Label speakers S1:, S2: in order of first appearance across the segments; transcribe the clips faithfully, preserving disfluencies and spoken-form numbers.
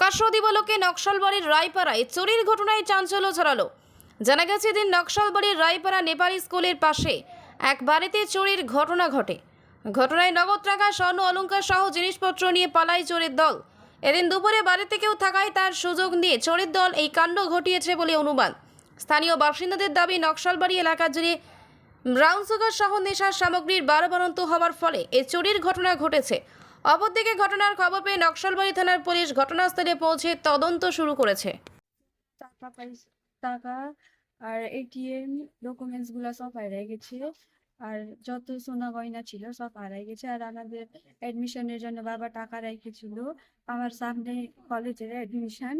S1: প্রকাশ্য দিবালোকে নকশালবাড়ির রায়পাড়ায় চুরির ঘটনায় চাঞ্চল্য ছড়ালো। জানা গেছে, দিন নকশালবাড়ির রায়পাড়া নেপালি স্কুলের পাশে এক বাড়িতে চুরির ঘটনা ঘটে। ঘটনায় নগদ টাকা, স্বর্ণ অলংকার সহ জিনিসপত্র নিয়ে পালায় চোরের দল। এদিন দুপুরে বাড়িতে কেউ থাকায় তার সুযোগ নিয়ে চোরের দল এই কাণ্ড ঘটিয়েছে বলে অনুমান। স্থানীয় বাসিন্দাদের দাবি, নকশালবাড়ি এলাকা জুড়ে ব্রাউন সুগার সহ নেশার সামগ্রীর বারবারন্ত হওয়ার ফলে এই চুরির ঘটনা ঘটেছে। অপরদিকে ঘটনার খবর পেয়ে নকশালবাড়ি থানার পুলিশ ঘটনাস্থলে পৌঁছে তদন্ত শুরু করেছে।
S2: টাকা পয়সা টাকা আর এটিএম ডকুমেন্টস গুলা সব হারাই গেছে। আর যত সোনা গয়না ছিল সব হারাই গেছে। আর আমাদের এডমিশনের জন্য বাবা টাকা রেখেছিল। আমার সামনে কলেজের এডমিশন।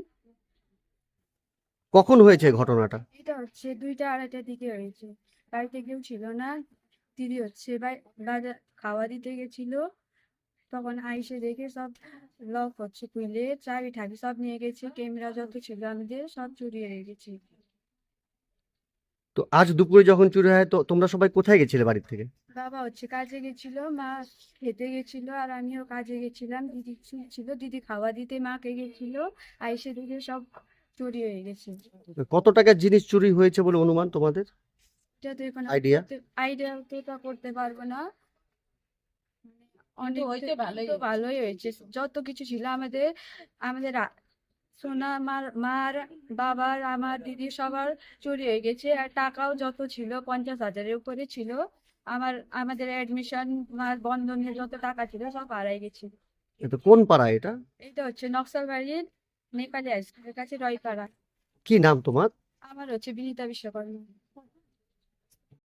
S3: কখন হয়েছে ঘটনাটা?
S2: এটা হচ্ছে দুইটা আড়াইটার দিকে হয়েছে। বাড়িতে কেউ ছিল না। দিদি হচ্ছে বাই- বাজার খাওয়া দিতে গেছিল। তখন আইসে দেখে সব লক হচ্ছে খুলে চাবি ঠাবি সব নিয়ে গেছে। ক্যামেরা যত ছিল আমাদের সব চুরি হয়ে গেছে।
S3: তো আজ দুপুরে যখন চুরি হয়, তো তোমরা সবাই কোথায় গেছিলে বাড়ির থেকে?
S2: বাবা হচ্ছে কাজে গেছিল, মা খেতে গেছিল, আর আমিও কাজে গেছিলাম। দিদি ছিল, দিদি খাওয়া দিতে মাকে গেছিল। আইসে দেখে সব চুরি হয়ে গেছে।
S3: কত টাকার জিনিস চুরি হয়েছে বলে অনুমান তোমাদের?
S2: এটা তো এখন
S3: আইডিয়া?
S2: আইডিয়া তো তা করতে পারবো না। অনেক
S4: হয়েছে ভালোই
S2: তো ভালোই হয়েছে। যত কিছু ছিল আমাদের আমাদের আ- সোনা মার মার বাবার আমার দিদি সবার চুরি হয়ে গেছে। আর টাকাও যত ছিল পঞ্চাশ হাজারের উপরে ছিল। আমার আমাদের অ্যাডমিশন মার বন্ধনের যত টাকা ছিল সব হারাই গেছে।
S3: এটা কোন পাড়া এটা?
S2: এটা হচ্ছে নকশালবাড়ির নেপালি হাই স্কুলের কাছে রয়পাড়া।
S3: কি নাম তোমার?
S2: আমার হচ্ছে বিনীতা বিশ্বকর্মা।